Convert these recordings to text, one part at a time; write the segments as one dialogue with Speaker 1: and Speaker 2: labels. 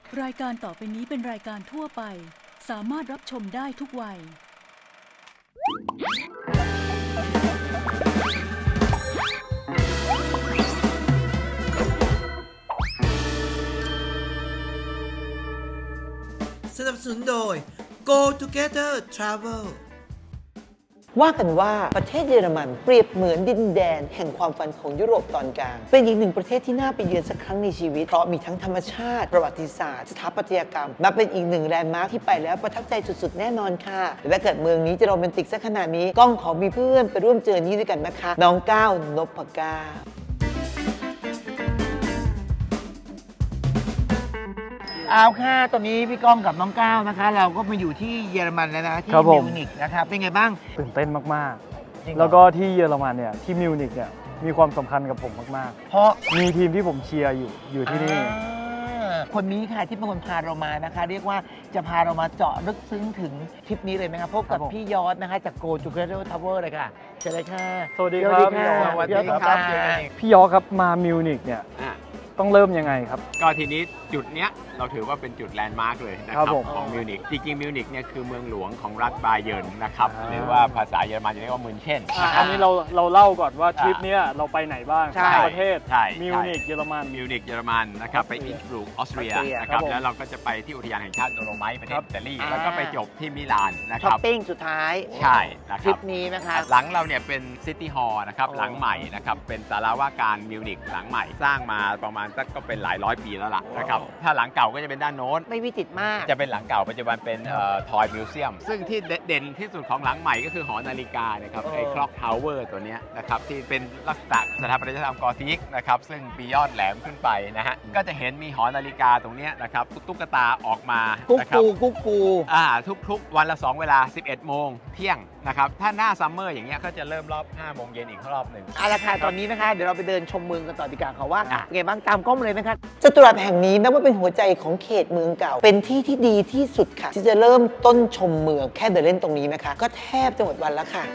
Speaker 1: รายการต่อไปนี้เป็นรายการทั่วไปสามารถรับชมได้ทุกวัย
Speaker 2: สนับสนุนโดย Go Together Travel
Speaker 3: ว่ากันว่าประเทศเยอรมันเปรียบเหมือนดินแดนแห่งความฝันของยุโรปตอนกลางเป็นอีกหนึ่งประเทศที่น่าไปเยือนสักครั้งในชีวิตเพราะมีทั้งธรรมชาติประวัติศาสตร์สถาปัตยกรรมนับเป็นอีกหนึ่งแลนด์มาร์คที่ไปแล้วประทับใจสุดๆแน่นอนค่ะและถ้าเกิดเมืองนี้จะโรแมนติกสักขนาดนี้ก้องขอมีเพื่อนไปร่วมเจอนี้ด้วยกันนะคะน้องก้าวนพเก้าเอาค่ะตอนนี้พี่ก้องกับน้องก้าวนะคะเราก็มาอยู่ที่เยอรมันแล้วนะที่มิวนิกนะครับเป็นไงบ้าง
Speaker 4: ตื่นเต้นมากๆ
Speaker 3: จริงเหรอ
Speaker 4: แล้วก็ที่เยอรมันเนี่ยที่มิวนิกเนี่ยมีความสำคัญกับผมมาก
Speaker 3: เพราะ
Speaker 4: ๆมีทีมที่ผมเชียร์อยู่ที่นี่
Speaker 3: คนนี้ค่ะที่เป็นคนพาเรามานะคะเรียกว่าจะพาเรามาเจาะลึกซึ้งถึงทริปนี้เลยไหมครับพบกับพี่ยอดนะคะจาก Go Together Travel เลยค่ะเชิญเลยค่ะ
Speaker 4: สวัสดีครับ
Speaker 3: สวัสดีครับ
Speaker 4: พี่ยอครับมามิวนิกเนี่ยต้องเริ่มยังไงครับ
Speaker 5: ก็ทีนี้จุดเนี้ยเราถือว่าเป็นจุดแลนด์มาร์กเลยนะค
Speaker 4: ครั
Speaker 5: รับบ
Speaker 4: ผม
Speaker 5: ของมิวนิกจริงๆมิวนิกเนี่ยคือเมืองหลวงของรัฐบาเยิร์นนะครับหรือว่าภาษาเยอรมันจะเรียกว่ามุนเช่นนะค
Speaker 4: อั
Speaker 5: รับ
Speaker 4: นนี้เราเล่าก่อนว่าทริปเนี้ยเราไปไหนบ้าง
Speaker 3: ใช่
Speaker 4: ประเทศ
Speaker 5: ใช่
Speaker 4: มิวนิกเยอรมัน
Speaker 5: มิวนิกเยอรมันนะครับไปอินสบรูกออสเตรียนะค
Speaker 4: ครั
Speaker 5: รับบ
Speaker 4: ผม
Speaker 5: แล้วเราก็จะไปที่อุทยานแห่งชาติโดโลไมต์ประเทศอิตาลี
Speaker 3: อ่า
Speaker 5: แล้วก็ไปจบที่มิลานนะค
Speaker 3: ช้อ
Speaker 5: รั
Speaker 3: ป
Speaker 5: บ
Speaker 3: ปิ้งสุดท้าย
Speaker 5: ใช่นะ
Speaker 3: ท
Speaker 5: ค
Speaker 3: ริ
Speaker 5: รับ
Speaker 3: ปนี้นะคะ
Speaker 5: หลังเราเนี่ยเป็นซิตี้ฮอลล์นะครับ
Speaker 3: อ๋อ
Speaker 5: หลังใหม่นะครับเป็นศาลาว่าการมิวนิกหลังใหม่สร้างมาประมาณสักก็เป็นหลายร้อยปีแล้วล่ะนะครับถ้าหลังเก่าก็จะเป็นด้านโน้น
Speaker 3: ไม่วิจิตรมาก
Speaker 5: จะเป็นหลังเก่าปัจจุบันเป็นทอยมิวเซียมซึ่งที่เด่นที่สุดของหลังใหม่ก็คือหอนาฬิกานะครับไอ้คล็อกทาวเวอร์ตัวเนี้ยนะครับที่เป็นลักษณะสถาปัตยกรรมกอธิกนะครับซึ่งปียอดแหลมขึ้นไปนะฮะก็จะเห็นมีหอนาฬิกาตรงเนี้ยนะครับตุ๊กตาออกมา
Speaker 3: กุ๊ก
Speaker 5: นะครั
Speaker 3: กู
Speaker 5: บ
Speaker 3: กุ๊กกู
Speaker 5: ทุกๆวันละ 2 เวลา 11 โมงเที่ยงนะครับถ้าหน้าซัมเมอร์อย่างเงี้ยก็จะเริ่มรอบ 5 โมงเย็นอีกรอบหนึ่ง
Speaker 3: เอาละค่ะตอนนี้นะคะเดี๋ยวเราไปเดินชมเมืองกันต่อดีกว่าค่ะว่า
Speaker 5: อ่ะ
Speaker 3: เป็นไงบ้างตามกล้องมาเลยนะคะจตุรัสแห่งนี้นับว่าเป็นหัวใจของเขตเมืองเก่า เป็นที่ที่ดีที่สุดค่ะ ที่จะเริ่มต้นชมเมืองแค่เดินเล่นตรงนี้นะคะ ก็แทบจะหมดวันแล้วค่ะ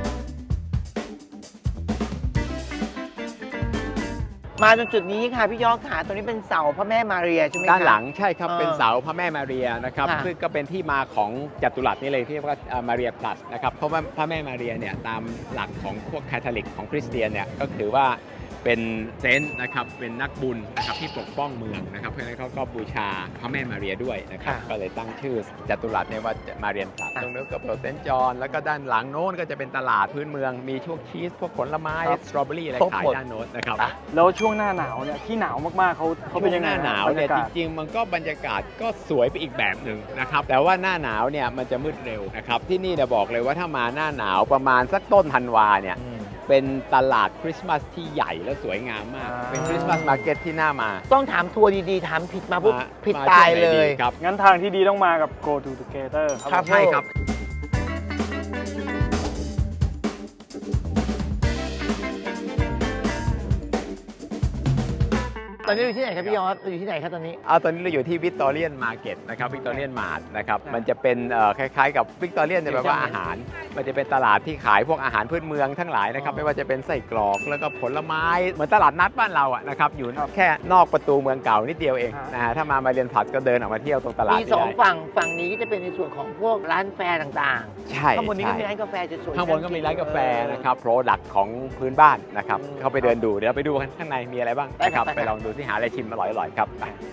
Speaker 3: มาจนจุดนี้ค่ะพี่ยอดค่ะตรงนี้เป็นเสาพระแม่มาเรียใช่ไหมคะ
Speaker 5: ด้านหลังใช่ครับ
Speaker 3: เออ
Speaker 5: เป็นเสาพระแม่มาเรียนะครับ
Speaker 3: ค่ะ
Speaker 5: ซึ่งก็เป็นที่มาของจัตุรัสนี่เลยที่เรียกว่ามาเรียพลัสนะครับเพราะว่าพระแม่มาเรียเนี่ยตามหลักของพวกคาทอลิกของคริสเตียนเนี่ยก็ถือว่าเป็นเซนต์นะครับเป็นนักบุญนะครับที่ปกป้องเมืองนะครับเพราะฉะนั้นเขาก็บูชาพระแม่มาเรียด้วยนะครับก็เลยตั้งชื่อจัตุรัสเนี่ยว่ามาเรียนพลัสตรงนู้นก็โปรเซนต์จอห์นแล้วก็ด้านหลังโน้นก็จะเป็นตลาดพื้นเมืองมีพวกชีสพวกผลไม้สตรอเบอรี่อะไรขายด้านโน้นนะครับ
Speaker 4: แล้วช่วงหน้าหนาวเนี่ยที่หนาวมากๆเขาเป็นยังไง
Speaker 5: หน้าหนาวเนี่ยจริงๆมันก็บรรยากาศก็สวยไปอีกแบบหนึ่งนะครับแต่ว่าหน้าหนาวเนี่ยมันจะมืดเร็วนะครับที่นี่เนี่ยบอกเลยว่าถ้ามาหน้าหนาวประมาณสักต้นธันวาเนี่ยเป็นตลาดคริสต์มาสที่ใหญ่และสวยงามมากเป็นคริสต์มาสมาร์เก็ตที่น่ามา
Speaker 3: ต้องถามทัวร์ดีๆถามผิดมาปุ๊บผิด
Speaker 5: ม
Speaker 3: ตาย
Speaker 5: ช่วงไหน
Speaker 3: เล
Speaker 5: ดี
Speaker 3: ย
Speaker 5: ครับ
Speaker 4: งั้นทางที่ดีต้องมากับ Go Together
Speaker 3: ครับ
Speaker 5: ใช่ครับ
Speaker 3: ตอนนี้อยู่ที่ไหนครับพี่ยอดอยู่ที่ไหนครับตอนนี้
Speaker 5: ตอนนี้เราอยู่ที่วิกตอเรียนมาร์เก็ตนะครับวิกตอเรียนมาร์ทนะครับมันจะเป็นคล้ายๆกับวิกตอเรียนเนี่ยแปลว่าอาหาร มันจะเป็นตลาดที่ขายพวกอาหารพื้นเมืองทั้งหลายนะครับไม่ว่าจะเป็นไส้กรอกแล้วก็ผลไม้เหมือนตลาดนัดบ้านเราอะนะครับอยู่แค่นอกประตูเมืองเก่านิดเดียวเองนะฮะถ้ามาเรียนผัดก็เดินออกมาเที่ยวตรงตลาด
Speaker 3: มีสองฝั่งนี้ก็จะเป็นในส่วนของพวกร้านแฟร์ต่าง
Speaker 5: ใช่
Speaker 3: ๆข้างบนนี้ก็
Speaker 5: ใช่
Speaker 3: มีร้านกาแฟสวยๆ
Speaker 5: ข้างบนก็มีร้านกาแฟนะครับโปรดักต์ของพื้นบ้านนะครับเข้าไปเดินดูเดี๋ยวเราไปดูกันข้างในมีอะไรบ้างนะครับไปลองดูที่หาอะไรชิมอร่อยๆครับ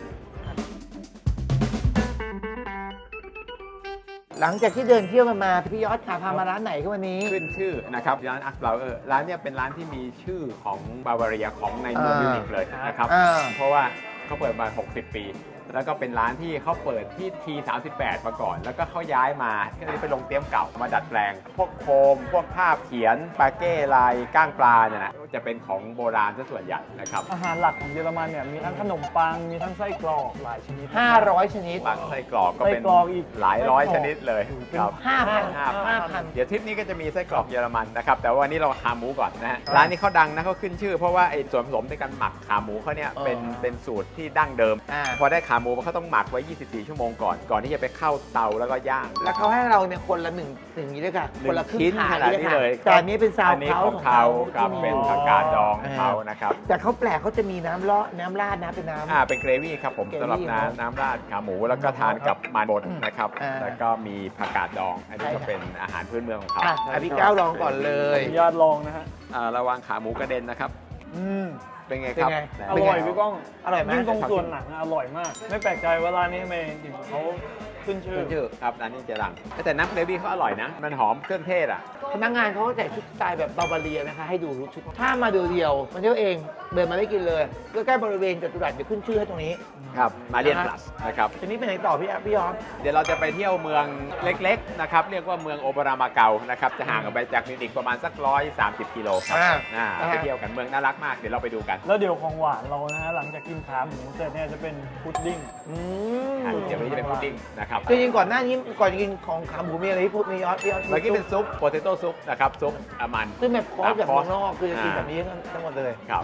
Speaker 3: หลังจากที่เดินเที่ยวกันมาพี่ยอดขาพามาร้านไหนครับวันนี้
Speaker 5: ขึ้นชื่อนะครับร้านอัสบาเออร์ร้านเนี้ยเป็นร้านที่มีชื่อของบาวาเรียของในเมืองมิวนิกเลยนะครับ เพราะว่าเขาเปิดมา 60 ปี แล้วก็เป็นร้านที่เขาเปิดที่ที38มาก่อน แล้วก็เขาย้ายมาก็เลยไปลงเตรียมเก่ามาดัดแปลง พวกโคม พวกภาพเขียนปาเก้ลายก้างปลาเนี่ยนะจะเป็นของโบราณซะส่วนใหญ่นะครับ
Speaker 4: อาหารหลักของเยอรมันเนี่ยมีทั้งขนมปังมีทั้งไส้กรอกหลายชนิด
Speaker 3: 500 ชนิด
Speaker 5: บางไส้กรอกก็เป็น
Speaker 4: ไส้กรอกอีก
Speaker 5: หลายร้อยชนิดเลยครับ
Speaker 3: 5,000
Speaker 5: เดี๋ยวทริปนี้ก็จะมีไส้กรอกเยอรมันนะครับแต่ว่าวันนี้เราขาหมูก่อนนะฮะร้านนี้เขาดังนะเขาขึ้นชื่อเพราะว่าไอ้ส่วนผสมในการหมักขาหมูเขาเนี่ยเป็นสูตรที่ดั้งเดิม พอได้ขาหมูเขาต้องหมักไว้ 24 ชั่วโมงก่อนที่จะไปเข้าเตาแล้วก็ย่าง
Speaker 3: แล้วเขาให้เราเนี่ยคนละหนึ่งนี้ด้วยค่ะ คนละครึ่ง
Speaker 5: ชิ้น
Speaker 3: ถา
Speaker 5: ข
Speaker 3: ด
Speaker 5: นาด
Speaker 3: ด้วย
Speaker 5: นี้
Speaker 3: ค่ะ
Speaker 5: เลย
Speaker 3: แต่อันนี้เป็นซาว
Speaker 5: อันนี้
Speaker 3: เขา
Speaker 5: ของเขากับ
Speaker 3: ที่มี
Speaker 5: เป็นผักกาดดองของเขานะครับ
Speaker 3: แต่เขาแปลกเขาจะมีน้ำราดนะเป็นน้ำ
Speaker 5: เป็นเกรวี่ครับผม
Speaker 3: เกรวี่
Speaker 5: สำหรับน้ำราดขาหมูแล้วก็ทานกับมันบดนะครับ แล้วก็มีผักกาดดอง อันนี้ก็เป็นอาหารพื้นเมืองของเขา
Speaker 3: พี่ก้าวลองก่อนเล
Speaker 4: ขอย อนุญาตลองนะฮะ
Speaker 5: ระวังขาหมูกระเด็นนะครับ
Speaker 3: อืม
Speaker 5: เป็นไงครับ
Speaker 3: เป็นไง
Speaker 5: ไหน
Speaker 4: อร่อยพี่ก้อง
Speaker 3: อร่อยไหม
Speaker 4: ยิ่งตรงส่วนหนังอะอร่อยมาก ไม่แปลกใจว่าร้านนี้ทำไมถึงเขาขึ้นชื่อ
Speaker 5: ครับร้านนี้เจรังแต่น้ำเกรวี่เขาอร่อยนะ มันหอมเครื่องเทศอ่ะ
Speaker 3: พนักงานเขาก็แต่งชุดสไตล์แบบบาบาเรียนะคะให้ดูชุดถ้ามาดูเดียวมันเที่ยวเองเดินมาได้กินเลยใกล้ๆบริเวณจัตุรัสเดี๋ยวขึ้นชื่อให้ตรงนี้
Speaker 5: ครับมาเรียนพลัสนะครับ
Speaker 3: ทีนี้ไปไหนต่อพี่ยอม
Speaker 5: เดี๋ยวเราจะไปเที่ยวเมืองเล็กๆนะครับเรียกว่าเมืองโอเปรามาเกานะครับจะห่างออกไปจากมิวนิกประมาณสัก130 กิโลครับไปเที่ยวกันเมืองน่ารักมากเดี๋ยวเราไปดูกัน
Speaker 4: แล้วเดี๋ยวของหวานเรานะฮะหลังจากกินขาหมูเสร็จเนี่ยจะเป็นพุดดิ้ง
Speaker 5: เดี๋ยววันนี้จะเป็นพุดดิ้งนะครับ
Speaker 3: จริงๆก่อนหน้านี้ก่อนจะกินของขาหมูมีอะไรที่พูดมียอดพี่ยอด
Speaker 5: เมื่อกี้เป็นซุปโปเตโต้ซุปนะครับซุปมัน
Speaker 3: ซึ่งแบบคอร์สแบบเมืองนอกคือจะกินแบบนี้ทั้งหมดเลย
Speaker 5: ครับ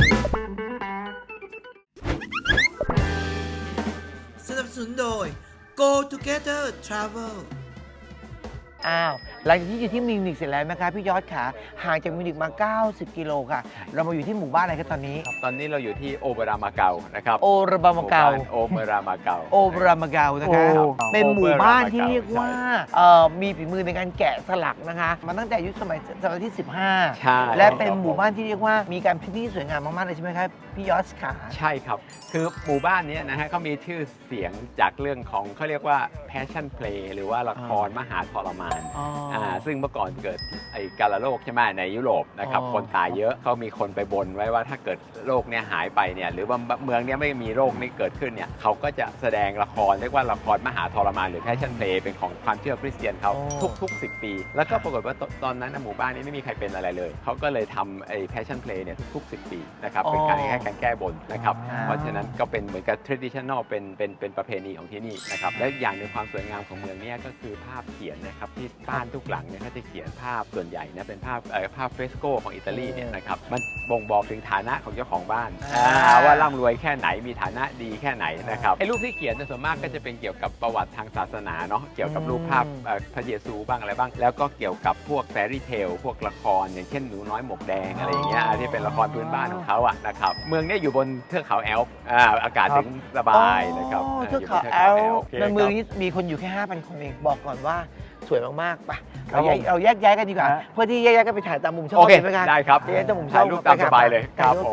Speaker 2: สนับสนุนโดย Go Together Travel
Speaker 3: อ้าวหลังจากที่อยู่ที่มิวนิกเสร็จแล้วนะคะพี่ยอดขาห่างจากมิวนิกมา 90 กิโลค่ะ เรามาอยู่ที่หมู่บ้านอะไรกันตอนนี้
Speaker 5: ตอนนี้เราอยู่ที่โอเปรามาเกานะครับ
Speaker 3: โอราบามาเกา
Speaker 5: โอเปรามาเกา
Speaker 3: โอรามาเกานะคะ
Speaker 4: โอ้
Speaker 3: เป็นหมู่บ้านที่เรียกว่ามีฝีมือในการแกะสลักนะคะมาตั้งแต่ยุคสมัยที่ 15
Speaker 5: ใช่
Speaker 3: และเป็นหมู่บ้านที่เรียกว่ามีการพิธีสวยงามมากๆเลยใช่ไหมครับพี่ยอดขา
Speaker 5: ใช่ครับ คือหมู่บ้านนี้นะฮะเขามีชื่อเสียงจากเรื่องของเขาเรียกว่า passion play หรือว่าละครมหาทรมาน ซึ่งเมื่อก่อนเกิดไอ้กาฬโรคใช่ไหมในยุโรปนะครับ คนตายเยอะเขามีคนไปบนไว้ว่าถ้าเกิดโรคเนี้ยหายไปเนี่ยหรือว่าเมืองเนี้ยไม่มีโรคนี้เกิดขึ้นเนี่ยเขาก็จะแสดงละครเรียกว่าละครมหาทรมานหรือ passion play เป็นของความเชื่อคริสเตียนเขาทุก 10 ปี แล้วก็ปรากฏว่าตอนนั้นหมู่บ้านนี้ไม่มีใครเป็นอะไรเลยเขาก็เลยทำไอ้ passion play เนี่ยทุก 10 ปีนะครับเป็นการแค่การแก้บนนะครับเพราะฉะนั้นก็เป็นเหมือนกับ traditional เป็นประเพณีของที่นี่นะครับและอย่างหนึ่งความสวยงามของเมืองเนี้ก็คือภาพเขียนนะครับที่บ้านทุกหลังเนี่ยเขาจะเขียนภาพส่วนใหญ่นะเป็นภาพเฟรสโกของอิตาลีเนี่ยนะครับมันบ่งบอกถึงฐานะของเจ้าของบ้านว่าร่ำรวยแค่ไหนมีฐานะดีแค่ไหนนะครับไอ้รูปที่เขียนส่วนมากก็จะเป็นเกี่ยวกับประวัติทางศาสนาเนาะเกี่ยวกับรูปภาพพระเยซูบ้างอะไรบ้างแล้วก็เกี่ยวกับพวกแฟรี่เทลพวกละครอย่างเช่นหนูน้อยหมวกแดงอะไรอย่างเงี้ยที่เป็นละครพื้นบ้านของเขาอะนะครับเมืองเนี้อยู่บนเทือกเขาแอลป์อากาศถึงสบายนะครับ
Speaker 3: เทือกเขาแอลในเมืองนี้มีคนอยู่แค่ 5,000 คนเองบอกก่อนว่าสวยมากๆไปเราแยกย้ายกันดีกว่าเพื่อที่แยกย้ายกันไปถ่ายตามมุมช่อง
Speaker 5: โอเค
Speaker 3: ไหมคะ
Speaker 5: ได้ครับ
Speaker 3: แยกตามมุมช่
Speaker 5: ถ่า
Speaker 3: อง
Speaker 5: ยรูปตามสบายเลยครับผม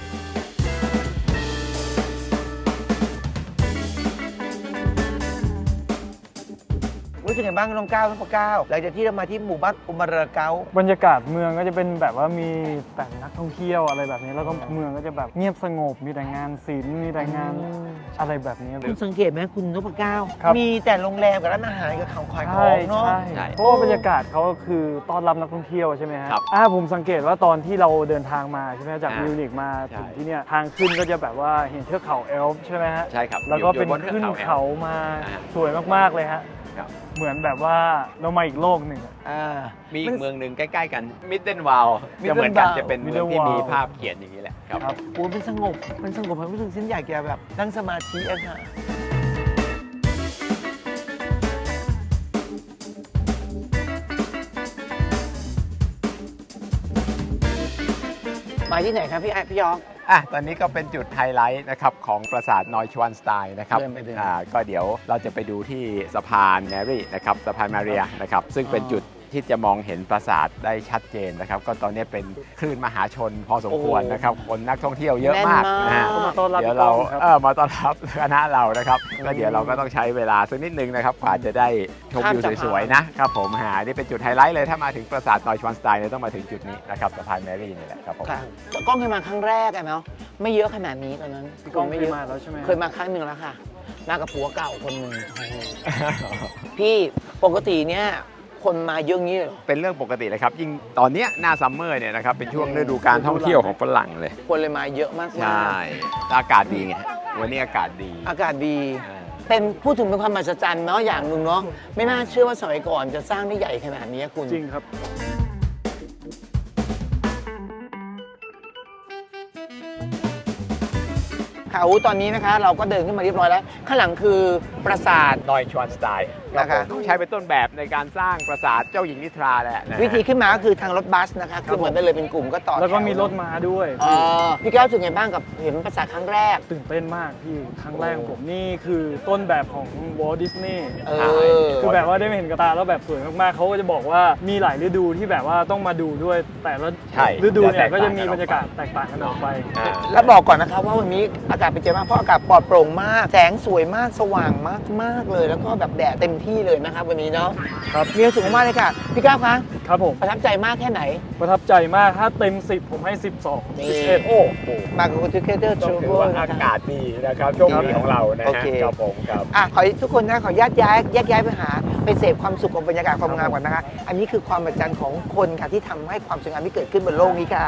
Speaker 3: รู้สึกไงบ้างน้องก้าวน้องปะก้าวหลังจากที่เรามาที่หมู่บ้านอุมาราเกา
Speaker 4: บรรยากาศเมืองก็จะเป็นแบบว่ามีแต่นักท่องเที่ยวอะไรแบบนี้แล้วก็เมืองก็จะแบบเงียบสงบมีแต่งานศิลป์มีแต่งานอะไรแบบนี้
Speaker 3: คุณสังเกตไหมคุณนพเก้า
Speaker 4: ครับ
Speaker 3: มีแต่โรงแรมกับร้านอาหารกับของขายข
Speaker 4: ใช่
Speaker 3: องเนาะ
Speaker 4: ใช่เพราะว่าบรรยากาศเขาคือต้อนรับนักท่องเที่ยวใช่ไหมฮะ
Speaker 5: ครับ
Speaker 4: ผมสังเกตว่าตอนที่เราเดินทางมาใช่ไหมจากมิวนิกมา
Speaker 5: ใช่
Speaker 4: ถึงที่เนี่ยทางขึ้นก็จะแบบว่าเห็นเทือกเขาแอลป์ใช่ไหมฮะ
Speaker 5: ใช่ครับ
Speaker 4: แล้วก็เป็น
Speaker 5: อยู่บนเทือก
Speaker 4: ขึ้น
Speaker 5: เขาแอลป์
Speaker 4: เขามา
Speaker 5: อ่า
Speaker 4: สวยมากๆเลยฮะ
Speaker 5: ครับ
Speaker 4: เหมือนแบบว่าเรามาอีกโลกหนึ่งอะ
Speaker 5: มีอีกเมืองหนึ่งใกล้ๆกันมิดเดิลวาล
Speaker 3: Midden
Speaker 5: จะเหมือนกัน
Speaker 3: Wall
Speaker 5: จะเป็นเมืองที่
Speaker 4: Midden
Speaker 5: มี
Speaker 4: Wall
Speaker 5: ภาพเขียนอย่างนี้แหละครับ
Speaker 4: ครับ
Speaker 3: โอ้มันสงบผมรู้สึกฉันอยากจะแบบนั่งสมาธิอะค่ะมาที่ไหนครับพี่ยอง
Speaker 5: ตอนนี้ก็เป็นจุดไฮไลท์นะครับของปราสาทนอยชวานสไตน์นะครับ
Speaker 3: เดินไป
Speaker 5: ก็เดี๋ยวเราจะไปดูที่สะพานแมรี่นะครับสะพานมาเรียนะครับซึ่งเป็นจุดที่จะมองเห็นปราสาทได้ชัดเจนนะครับก็ตอนนี้เป็นคลื่นมหาชนพอสมควรนะครับคนนักท่องเที่ยวเยอะมากนะฮะ
Speaker 4: มาต้อนรับ
Speaker 5: เดี๋ยวเรา
Speaker 4: พี่ก้องครับ
Speaker 5: มาต้อนรับคณะเรานะครับก็เดี๋ยวเราก็ต้องใช้เวลาสักนิดนึงนะครับกว่าจะได้ชมวิวสวยๆนะครับผมนี่เป็นจุดไฮไลท์เลยถ้ามาถึงปราสาทนอยชวานสไตน์เนี่ยต้องมาถึงจุดนี้นะครับสะพานแมรี่นี่แหละครับผม
Speaker 3: ค่ะกล้องเคยมาครั้งแรกอะเนาะไม่เยอะขนาดนี้ตอนนั้น
Speaker 4: พี่ก้อง
Speaker 3: ไม่
Speaker 4: เค
Speaker 3: เย
Speaker 4: ย
Speaker 3: อะ
Speaker 4: มาแล้วใช่ไหม
Speaker 3: เคยมาครั้งหนึ่งแล้วค่ะ มากับผัวเก่าคนหนึ่งพี่ปกติเนี่ยคนมาเยอะงี้เลยเหรอ
Speaker 5: เป็นเรื่องปกติเลยครับยิ่งตอนเนี้ยหน้าซัมเมอร์เนี่ยนะครับเป็นช่วงฤดูการท่องเที่ยวของฝรั่งเลย
Speaker 3: คนเลยมาเยอะมากๆ
Speaker 5: ใช่อากาศดีไงวันนี้อากาศดี
Speaker 3: อากาศดี
Speaker 5: อ่า
Speaker 3: เป็นพูดถึงเป็นความมหัศจรรย์เนาะอย่างหนึ่งเนาะไม่น่าเชื่อว่าสมัยก่อนจะสร้างได้ใหญ่ขนาดนี้คุณ
Speaker 4: จริงครับ
Speaker 3: ค่ะค่ะตอนนี้นะคะเราก็เดินขึ้นมาเรียบร้อยแล้วข้างหลังคือปราสาท
Speaker 5: นอยชวนสไตล์
Speaker 3: นะคะ
Speaker 5: ต้องใช้เป็นต้นแบบในการสร้างปราสาทเจ้าหญิงนิทราแหละนะฮะ
Speaker 3: วิธีขึ้นมาก็คือทางรถบัสนะคะขึ้นมาได้เลยเป็นกลุ่มก็ต่อ
Speaker 4: แล้วก็
Speaker 3: ถ
Speaker 4: มีรถม้าด้วย
Speaker 3: อ๋อพี่แก้วรู้สึกไงบ้างกับเห็นปราสาทครั้งแรก
Speaker 4: ตื่นเต้นมากพี่ครั้งแรกของผมนี่คือต้นแบบของวอลดิสนีย์
Speaker 3: เอ
Speaker 5: ใช่
Speaker 3: อ
Speaker 4: คือแบบว่าได้มาเห็นกระตาแล้วแบบสวยมากๆเขาก็จะบอกว่ามีหลายฤดูที่แบบว่าต้องมาดูด้วย แต่ละ
Speaker 5: ใช่
Speaker 4: ฤดูเนี่ย
Speaker 5: จะแตกต่าง
Speaker 4: ก็จะมีบรรยากาศแตกต่างกันออกไป
Speaker 5: อ่า
Speaker 3: แล้วบอกก่อนนะคะว่าวันนี้อากาศเป็นใจมากเพราะอากาศปลอดโปร่งมากแสงสวยมากสว่างมากมากเลย แล้วก็แบบแดดเต็มที่เลยนะครับวันนี้เนาะ
Speaker 4: ครับ
Speaker 3: มีความสุขมากเลยค่ะพี่ก้าวคะ
Speaker 4: ครับผม
Speaker 3: ประทับใจมากแค่ไหน
Speaker 4: ประทับใจมากถ้าเต็ม 10 ผมให้ 12
Speaker 3: นี่
Speaker 4: 11
Speaker 5: โอ้โห
Speaker 3: มากับ Together
Speaker 5: ต้องถือ
Speaker 3: Travel
Speaker 5: ว่า
Speaker 3: นะ
Speaker 5: อา
Speaker 3: คะ
Speaker 5: กาศดีนะครับโชคดีของเรานะ
Speaker 3: โอ
Speaker 5: ฮะ
Speaker 3: เค
Speaker 5: ครับผมครับ
Speaker 3: ขอให้ทุกคนนะขอแยกย้ายไปหาไปเสพความสุขกับบรรยากาศความงามก่อนนะคะ อันนี้คือความมหัศจรรย์ของคนค่ะที่ทำให้ความสวยงามที่เกิดขึ้นบนโลกนี้ค่ะ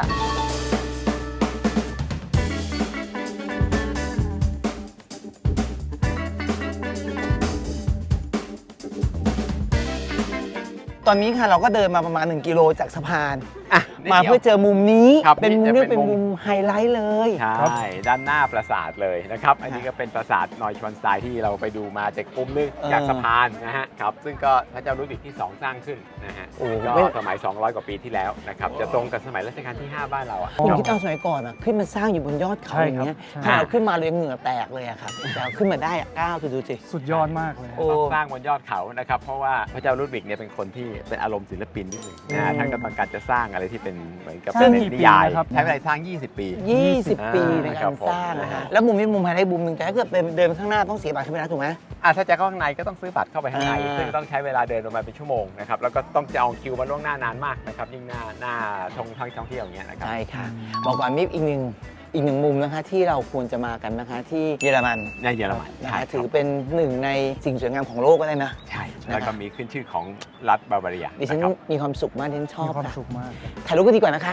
Speaker 3: ตอนนี้ค่ะเราก็เดินมาประมาณ 1 กิโลจากสะพาน
Speaker 5: อ่ะ
Speaker 3: มาเพื่อเจอมุมนี้
Speaker 5: ครับ
Speaker 3: เป็นมุม
Speaker 5: นี่
Speaker 3: เรีย
Speaker 5: จะ
Speaker 3: ก
Speaker 5: เป็
Speaker 3: เป็น น
Speaker 5: มุ
Speaker 3: มุ
Speaker 5: ม
Speaker 3: มไฮไลท์เลย
Speaker 5: ใช่ด้านหน้าปราสาทเลยนะครับ อันนี้ก็เป็นปราสาทนอยชวนสไตล์ที่เราไปดูมาจากมุมนึงจากสะพานนะฮะครับซึ่งก็พระเจ้าลุยวิกที่ 2 สร้างขึ้นนะฮะ
Speaker 3: โอ้
Speaker 5: ก็
Speaker 3: ไม่
Speaker 5: สมัย 200 กว่าปีที่แล้วนะครับจะตรงกับสมัยรัชกาลที่ 5 บ้านเราอ่ะ
Speaker 3: คุณคิดเอาสมัยก่อนอะขึ้นมาสร้างอยู่บนยอดเขา
Speaker 4: ใช่
Speaker 3: อย่าง
Speaker 4: ครับ
Speaker 3: เงี้ย
Speaker 4: ใช่
Speaker 3: ถ้าเราขึ้นมาเลยเหงื่อแตกเลยอะครับแต่เอาขึ้นมาได้อะก้าวดูสิ
Speaker 4: สุดยอดมากเลย
Speaker 3: โอ้
Speaker 5: ต้องสร้างบนยอดเขานะครับเพราะว่าพระเจ้าลุดวิกเนี่ยเป็นคนที่เป็นอารมณ์ศิลปินนิดหนึ่งนะฮะท่านก็ต้องการจะสร้างอะไรที่เป็นเหมือนกับ
Speaker 4: สร้าง
Speaker 5: เป็น
Speaker 4: กี่ปี
Speaker 5: นิยาย
Speaker 4: นะครับ
Speaker 5: ใช้เวลาสร้าง 20 ปี
Speaker 3: 20 ปีใน
Speaker 5: ครั
Speaker 3: กา
Speaker 5: บ
Speaker 3: ร
Speaker 5: ผม
Speaker 3: สร้างนะ
Speaker 5: นะ
Speaker 3: ฮะ
Speaker 5: ฮะ
Speaker 3: แล้วมุมนี้มุมไฮไลท์มุมหนึ่งแต่ถ้าเกิดเดินไปข้างหน้าต้องเสียบัตรใช่ไหมนะถูกไหม
Speaker 5: ถ้าจะเข้าข้างในก็ต้องซื้อบัตรเข้าไปข้างใน ซึ่งต้องใช้เวลาเดินประมาณเป็นชั่วโมงนะครับแล้วก็ต้องจองคิวมาล่วงหน้านานมากนะครับยิ่งหน้าท่องเที่ยวอย่างเงี้ยนะครับ
Speaker 3: ใช่ค่ะบอกก่อนมีอีกหนึ่งมุมนะคะที่เราควรจะมากันนะคะที่เยอรมัน
Speaker 5: ในเยอรมัน
Speaker 3: นะ
Speaker 5: ใช่
Speaker 3: คะ
Speaker 5: ค
Speaker 3: ถื
Speaker 5: รั
Speaker 3: อบ เป็นหนึ่งในสิ่งสวยงามของโลกก็ได้นะ
Speaker 5: ใช่แล้วก็มีขึ้นชื่อของรัฐบาวาเรีย
Speaker 3: ดิฉัน
Speaker 5: นะครับ
Speaker 3: มีความสุขมากดิฉันชอ
Speaker 4: มี
Speaker 3: บ
Speaker 4: ความ
Speaker 3: ค่ะ
Speaker 4: สุขมาก
Speaker 3: ถ่ายรูปกันดีกว่านะคะ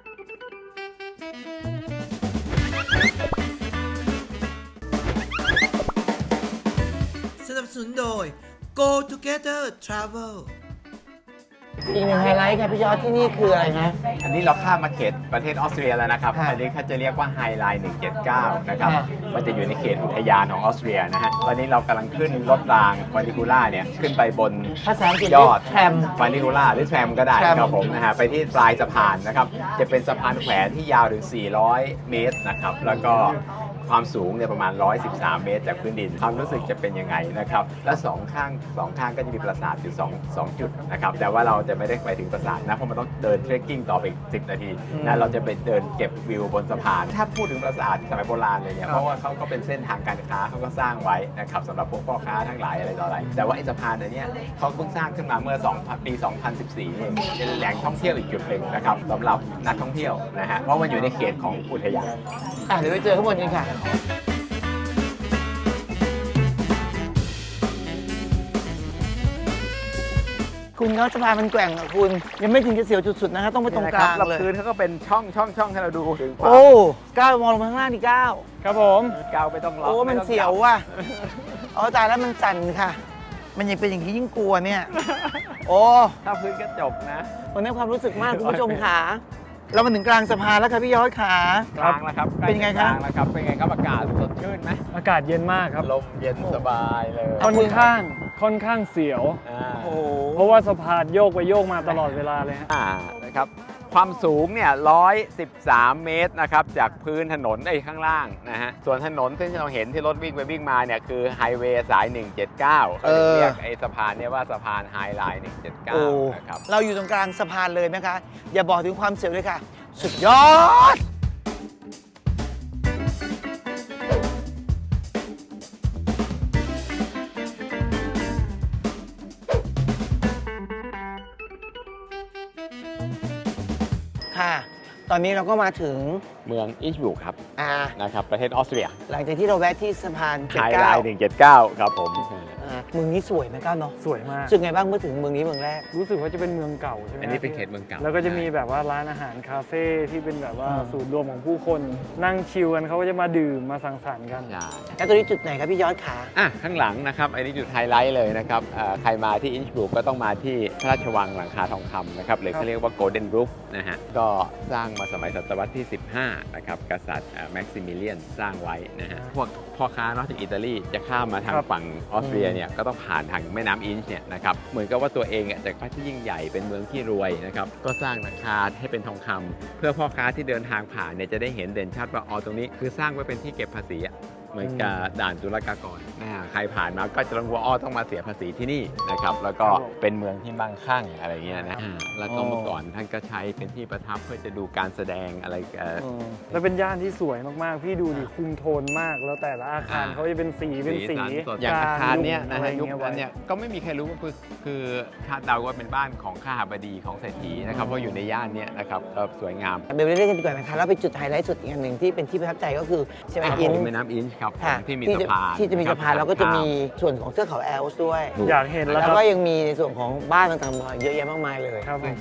Speaker 2: สนับสนุนโดย Go Together Travel
Speaker 3: อีกหนึ่งไฮไลท์ค่ะพี่ยอดที่นี่คืออะไรนะ
Speaker 5: อันนี้เราข้ามมาเขตประเทศออสเตรียแล้วนะครับ
Speaker 3: ค่ะ
Speaker 5: อันนี้เขาจะเรียกว่าไฮไลน์179 นะครับ
Speaker 3: ค่ะ
Speaker 5: มันจะอยู่ในเขตอุทยานของออสเตรียนะฮะตอนนี้เรากำลังขึ้นรถรางวานิคูล่าเนี่ยขึ้นไปบน
Speaker 3: ภาษาอังกฤษ
Speaker 5: ยอด
Speaker 3: แทรม
Speaker 5: วานิคูล่าหรือแทรมก็ได้
Speaker 3: แทรม
Speaker 5: ครับผมนะฮะไปที่ปลายสะพานนะครับจะเป็นสะพานแขวนที่ยาวถึง 400 เมตรนะครับแล้วก็ความสูงเนี่ยประมาณ 113 เมตรจากพื้นดินความรู้สึกจะเป็นยังไงนะครับและสองข้างก็จะมีปราสาทอยู่2จุดนะครับแต่ว่าเราจะไม่ได้ไปถึงปราสาทนะเพราะมันต้องเดินเทรคกิ้งต่อไปอีก10 นาทีนะเราจะไปเดินเก็บวิวบนสะพานถ้าพูดถึงปราสาทสมัยโบราณเลยเนี่ยเพราะว่าเขาก็เป็นเส้นทางการค้าเขาก็สร้างไว้นะครับสำหรับพวกพ่อค้าทั้งหลายอะไรต่ออะไรแต่ว่าไอ้สะพานอันเนี้ยเขาเพิ่งสร้างขึ้นมาเมื่อปี 2014 เองเป็นแหล่งท่องเที่ยวอีกจุดหนึ่งนะครับสำหรับนักท่องเที่ยวนะฮะเพราะมันอยู่ในเขตของอุทยาน
Speaker 3: เดี๋ยวไปเจอข้างบนกันค่ะ คุณเขาสะพานมันแกว่งอะคุณ ยังไม่ถึงจะเสียวจุดสุดนะคะต้องไปตรงกลาง
Speaker 5: แล้ว
Speaker 3: เลย
Speaker 5: พื้นเขาก็เป็นช่องให้เราดูถึงความ
Speaker 3: โอ้ก้าวมองลงมาข้างล่างดิก้าว
Speaker 4: ครับผม
Speaker 5: ก้าวไม่ต้องล็อก
Speaker 3: โอ้มันเสียวว่ะเอาตายแล้วมันสั่นค่ะ มันยังเป็นอย่างนี้ยิ่งกลัวเนี่ย โอ้
Speaker 5: ถ้าพื้นก็จบนะ
Speaker 3: มันได้ความรู้สึกมากคุณผู้ชมขาเรามาถึงกลางสะพานแล้วค่ะพี่ยอดขา
Speaker 5: กลางแล้วครับ
Speaker 3: เป็นไงคะ
Speaker 5: กลางแล้วครับเป็นไงครับอากาศสดชื่นไหม
Speaker 4: อากาศเย็นมากครับ
Speaker 5: ลมเย็นสบายเลย
Speaker 4: ค่อนข้างเสียว
Speaker 3: โอ้
Speaker 4: เพราะว่าสะพานโยกไปโยกมาตลอดเวลาเลยฮะ
Speaker 5: นะครับความสูงเนี่ย113 เมตรนะครับจากพื้นถนนข้างล่างนะฮะส่วนถนนที่เราเห็นที่รถวิ่งไปวิ่งมาเนี่ยคือไฮเวย์สาย 179เขาเรียกไอ้สะพานเนี่ยว่าสะพานไฮไลน์
Speaker 3: โอ้
Speaker 5: 179 นะครับ
Speaker 3: เราอยู่ตรงกลางสะพานเลยนะคะ อย่าบอกถึงความเสียวเลยค่ะ สุดยอด ค่ะ ตอนนี้เราก็มาถึง
Speaker 5: เมืองอิชบุกครับ
Speaker 3: อ่า
Speaker 5: นะครับประเทศออสเตรีย
Speaker 3: หลังจากที่เราแวะที่สะพาน
Speaker 5: ไฮไลน์179 ครับผม
Speaker 3: อ่าเมืองนี้สวยไหมก้าวเนาะ
Speaker 4: สวยมาก
Speaker 3: รู้สึกไงบ้างเมื่อถึงเมืองนี้เมืองแรก
Speaker 4: รู้สึกว่าจะเป็นเมืองเก่าใช่ไหม
Speaker 5: อันนี้เป็นเขตเมืองเก่า
Speaker 4: แล้วก็จะมีแบบว่าร้านอาหารคาเฟ่ที่เป็นแบบว่า
Speaker 3: อ่า
Speaker 4: ศูนย์รวมของผู้คนนั่งชิลกันเขาก็จะมาดื่มมาสังสรรค์กัน
Speaker 5: ใช่
Speaker 3: แล้วตรงนี้จุดไหนครับพี่ยอดขา
Speaker 5: ข้างหลังนะครับอันนี้จุดไฮไลท์เลยนะครับใครมาที่อินช์บรูกก็ต้องมาที่พระราชวังหลังคาทองคำนะครับหรือเขาเรียกว่า Golden Roof นะฮะก็สร้างมาสมัยศตวรรษที่ 15 นะครับกษัตริย์แม็กซิมิเลียนสร้างไว้นะฮะพวกพ่อค้านอกจากอิตาลีจะข้ามมาทาง
Speaker 4: ครับ
Speaker 5: ฝั่งออสเตรียเนี่ยก็ต้องผ่านทางแม่น้ำอินช์เนี่ยนะครับเหมือนกับว่าตัวเองจากประเทศที่ยิ่งใหญ่เป็นเมืองที่รวยนะครับก็สร้างหลังคาให้เป็นทองคำเพื่อพ่อค้าที่เดินทางผ่านเนี่ยจะได้เห็นเด่นชัดว่าตรงนี้คือสร้างไว้เป็นที่เก็บภาษีเหมือนกับด่านศุลกากรใครผ่านมาก็จะรู้ว่าต้องมาเสียภาษีที่นี่นะครับแล้วก็เป็นเมืองที่มั่งคั่งอะไรเงี้ยนะแล้วก็เมื่อก่อนท่านก็ใช้เป็นที่ประทับเพื่อจะดูการแสดงอะไร
Speaker 4: แล้วเป็นย่านที่สวยมากๆ พี่ดูดิคุมโทนมากแล้วแต่ละอาคารเขาจะเป็นสีเป็นสี
Speaker 5: สันสดอย่างอาคารเนี้ยนะฮะ
Speaker 4: ก
Speaker 5: ยุค
Speaker 4: ร
Speaker 5: นั้นเนี่ยก็ไม่มีใครรู้ว่าคือคาดเดาว่าเป็นบ้านของข้าบดีของเศรษฐีนะครับเพราะอยู่ในย่านเนี้ยนะครับก็สวยงาม
Speaker 3: เดี๋ยวไปเล่นกันดีกว่านะคะแล้วไปจุดไฮไลท์สุดอีกอันหนึ่งที่เป็นที่ประทับใจก็คือใช่ไหมอิน
Speaker 5: แม่น้ำอินช์ครับ
Speaker 3: ค่ะ
Speaker 5: ที่มีสะพาน
Speaker 3: ที่จะมีสะพานแล้วก็จะมีส่วนของเทือกเขาแอลป์ด้วย
Speaker 4: อยากเห็นแล้ว
Speaker 3: แล้ว
Speaker 4: ครับ
Speaker 3: ก็ยังมีในส่วนของบ้านต่างๆเยอะแยะมากมายเลย
Speaker 4: ครับผม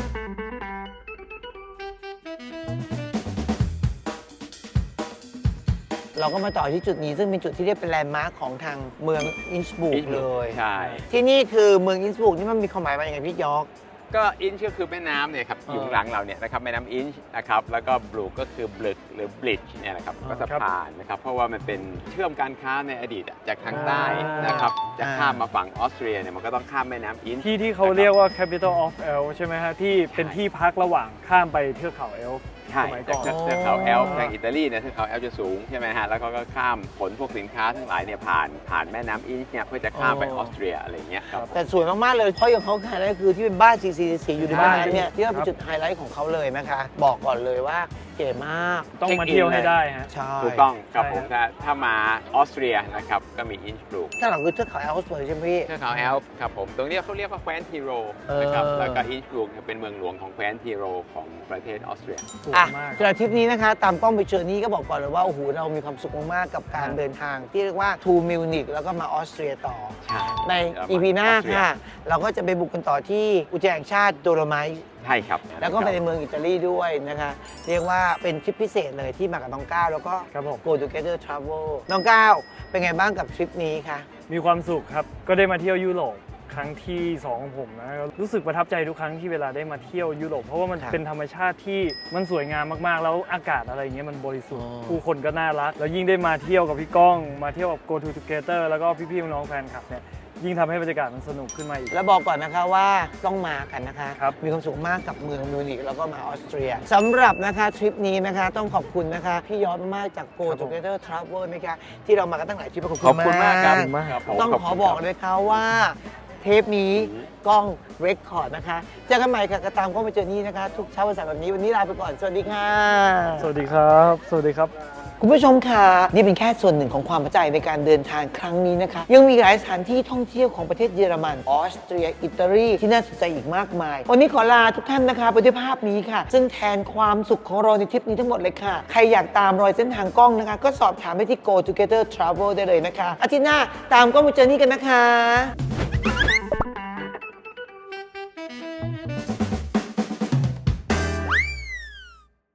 Speaker 3: เราก็มาต่อที่จุดนี้ซึ่งเป็นจุดที่เรียกเป็นแลนด์มาร์คของทางเมืองอินช์บุกเลย
Speaker 5: ใช่
Speaker 3: ที่นี่คือเมืองอินช์บุกนี่มันมีความหมายว่าอย่างไรพี่ยอก
Speaker 5: ก็อินช์ก็คือแม่น้ำเนี่ยครับอยู่ข้างหลังเราเนี่ยนะครับแม่น้ำอินช์นะครับแล้วก็บลูก็คือบลึกหรือบลิดจ์เนี่ยนะครับก็สะพานนะครับเพราะว่ามันเป็นเชื่อมการค้าในอดีตจากทางใต้นะครับจะข้ามมาฝั่งออสเตรียเนี่ยมันก็ต้องข้ามแม่น้ำอินช์
Speaker 4: ที่เขาเรียกว่า capital of Elf ใช่ไหมฮะที่เป็นที่พักระหว่างข้ามไปเทือกเขาเอลฟ์
Speaker 5: ใช่
Speaker 4: สมัยก่อน
Speaker 5: จากเทือกเขาแอลป์ทางอิตาลีเนี่ยเทือกเขาแอลป์จะสูงใช่ไหมฮะแล้วก็ข้ามขนพวกสินค้าทั้งหลายเนี่ยผ่านแม่น้ำอินช์เนี่ยเพื่อจะข้ามไปออสเตรียอะไรอย่างเงี้ยครับ
Speaker 3: แต่สวยมาก ๆ เลยเพราะอย่างเขาไฮไลท์คือที่เป็นบ้านสีอยู่ในบ้านนั้นเนี่ยที่ว่าเป็น
Speaker 4: ครับ
Speaker 3: จุดไฮไลท์ของเขาเลยนะคะ บอกก่อนเลยว่าเก๋มาก
Speaker 4: ต้องมาเที่ยวให้ได้ฮะ
Speaker 3: ใช่
Speaker 5: ถูกต้องครับ
Speaker 4: ใช่
Speaker 5: ผมถ้ามาออสเตรียนะครับก็มีอินช์บรูก
Speaker 3: ข้างหลังคือเทือกเขาแอลป์เลยใช่ไหมพี่
Speaker 5: เทือกเขาแอลป์ครับผมตรงนี้เขาเรียกว่าแคว้นทีโรนะครับแล้วก็อินช์บรูกเนี่ยเป็นเมืองหลวงของแคว้นทีโรของประเทศออสเตรีย
Speaker 4: สวย
Speaker 3: อ่ะ
Speaker 4: มาก
Speaker 3: สำหรับทริปนี้นะคะ ตามกล้องไปเจอนี้ก็บอกก่อนเลยว่า โอ้โห เรามีความสุขมาก ๆ กับการเดินทาง ที่เรียกว่าทูมิวนิกแล้วก็มาออสเตรียต่อ
Speaker 5: ใช่
Speaker 3: ใน EP หน้าค่ะ เราก็จะไปบุกกันต่อที่อุทยานแห่งชาติโดโลไมต์
Speaker 5: ใช่ครับ
Speaker 3: แล้วก็ไปในเมืองอิตาลีด้วยนะคะ เรียกว่าเป็นทริปพิเศษเลยที่มากับน้องก้าวแล้วก็
Speaker 4: ครับผม
Speaker 3: Go Together Travel น้องก้าวเป็นไงบ้างกับทริปนี้คะ
Speaker 4: มีความสุขครับ ก็ได้มาเที่ยวยุโรปครั้งที่ 2 ของผมนะรู้สึกประทับใจทุกครั้งที่เวลาได้มาเที่ยวยุโรปเพราะว่ามัน
Speaker 3: ครับ
Speaker 4: เป็นธรรมชาติที่มันสวยงามมากๆ แล้วอากาศอะไรเงี้ยมันบริสุทธิ์
Speaker 3: อ๋อ
Speaker 4: ผู้คนก็น่ารัก แล้วยิ่งได้มาเที่ยวกับพี่ก้อง มาเที่ยวกับ Go Together แล้วก็พี่ๆน้องๆแฟนคลับเนี่ยยิ่งทำให้บรรยากาศมันสนุกขึ้นมาอีก
Speaker 3: แล้วบอกก่อนนะคะว่าต้องมากันนะคะ
Speaker 4: ครับ
Speaker 3: มีความสุขมากกับเมืองมิวนิกแล้วก็มาออสเตรียสำหรับนะคะทริปนี้นะคะต้องขอบคุณนะคะพี่ยอดมากๆจาก Go Together Travel นะคะที่เรามากันตั้งหลายทริปขอบ
Speaker 5: ขอบคุณมากครับ
Speaker 4: ครับ
Speaker 5: ผม
Speaker 3: ต้องขอบอกเลยค่ะว่าเทปนี้กล้องเรคคอร์ดนะคะเจอกันใหม่ค่ะกระตามกล้องไปเจอนี่นะคะ ทุกเช้าวันเสาร์แบบนี้วันนี้ลาไปก่อนสวัสดีค่ะ
Speaker 4: สวัสดีครับ สวัสดีครับ
Speaker 3: คุณผู้ชมค่ะนี่เป็นแค่ส่วนหนึ่งของความประทับใจในการเดินทางครั้งนี้นะคะ ยังมีหลายสถานที่ท่องเที่ยวของประเทศเยอรมันออสเตรียอิตาลีที่น่าสนใจอีกมากมาย วันนี้ขอลาทุกท่านนะคะไปด้วยภาพนี้ค่ะ ซึ่งแทนความสุขของเราในทริปนี้ทั้งหมดเลยค่ะ ใครอยากตามรอยเส้นทางกล้องนะคะ ก็สอบถามไปที่ Go Together Travel ได้เลยนะคะอาทิตย์หน้าตามกล้องไปเจอนี่กันนะคะ